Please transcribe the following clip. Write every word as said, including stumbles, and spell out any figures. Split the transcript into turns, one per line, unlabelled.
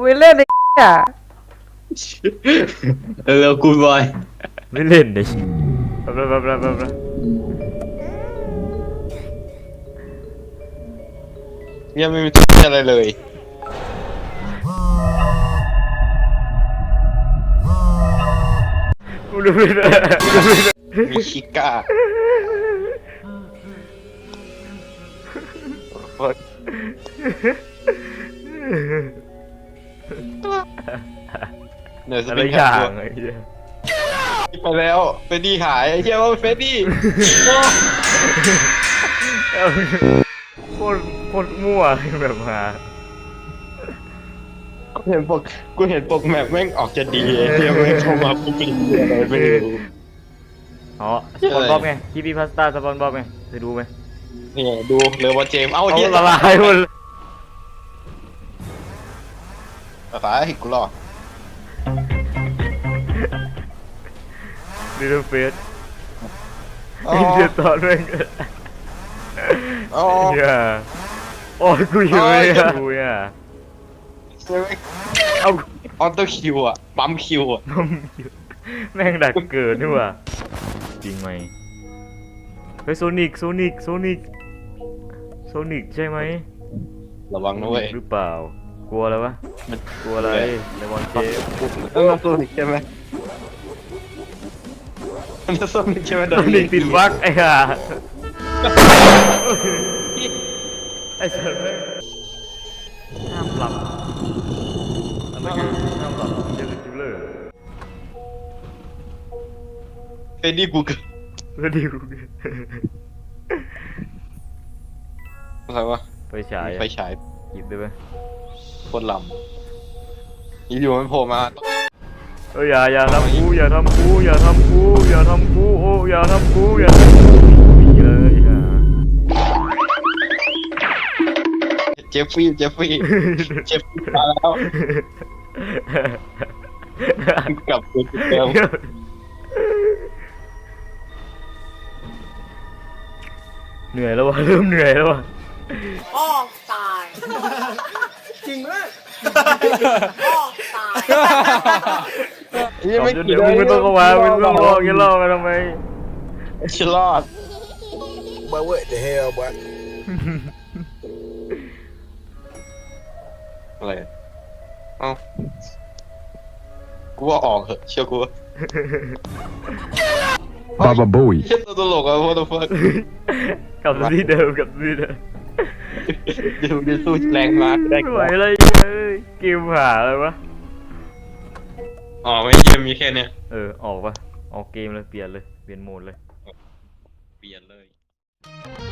ไม่เล่นไอ้เนี่ย
เร็วกูบอย
ไม่เล่นเลยแป๊บแป๊บแป๊บแป๊บแป๊บ
ยังไม่มีตัวอะไรเลย
กูดูไม่ได้
มีชิก้าเหนื่อยส
อะไร
ปิน
อ
แค
ย่า
ป
งไอ้เหี้ย
ไปแล้วเฟดดี้หายไอ้เหี้ยว่าเฟดดี้
โคตรโคตรมั่วแบบมา
กูเห็นปกกูเห็นปกแมปแม่งออกจะดีไอ้เหี้ยแม่งเข้ามาปุ๊บเป็นอะไรไม่รู้
อ๋อสปอนบ๊อบไงคีบีพาสต้าสปอนบ๊อบไงเคยดูไหม
นี่ดูเลยวอเจมเอา
เอา
เหี้ย
ละลายหมด
ภาษาหิกูรอ
ดิลเฟสอินเดียตอนแม่ง
อ๋อ
เฮียโอ้ยกูอยู่เลยอ่ะกูอ่ะเอา
ออโต้คิวอ่ะปั๊มคิวอ่ะ
แม่งดักเกิดนี่ว่ะจริงไหมเฮ้ยโซนิกโซนิกโซนิกโซนิกใช่ไหม
ระวังนะเว้ย
หรือเปล่ากลัวอะไรวะมันกลัวอะไรในบอลเจม
ต้องโซนิกใช่ไหมมันจะโซนิกใช่ไหม
โซนิกติดบั๊กไอ้ห่าไอ้สัตว์แม่งห้ามหลับอะไรกันห้ามหลับเจอจิลเลอร์
เฟดดี้กูเกิด
แล้วดิว
อะไรวะ
ไฟฉาย
ไฟฉาย
หยิบได้ไหม
โคตรลำอยู่ๆมันโผล่มา
เอออย่าอย่าทำกูอย่าทำกูอย่าทำกูอย่าทำกูโอ้อย่าทำกูอย่าทำกูมีเลยฮะ
เจฟฟี่เจฟฟี่เจฟฟี่มาแล้วกลับตัวเดิม
เหนื่อยแล้ววะเริ่มเหนื่อยแล้ววะ
พ่อตายจริงเลยพ่อตาย
ยังไม่
เดี๋ยวมึงไม่ต้องเข้ามามึงไม่ต้องรอแกล่อมาทำไม
ฉลอด
Boy, what the hell, boy?
อะไรเอ้ากูว่าออกเหอะเชื่อกู
Baba Booey.
เชื่อตัวตลกอะพวกตัวเฟิร์ส
กลับที่เดิมกลับที่เดิม
ดูดิสู้แรงมากได้
ไม่ไหวอะไรเลยเกมหาอะไรวะ
อ๋อไม่เยี่ยมมีแค่เนี้ย
เออออกปะออกเกมเลยเปลี่ยนเลยเปลี่ยนโหมดเลย
เปลี่ยนเลย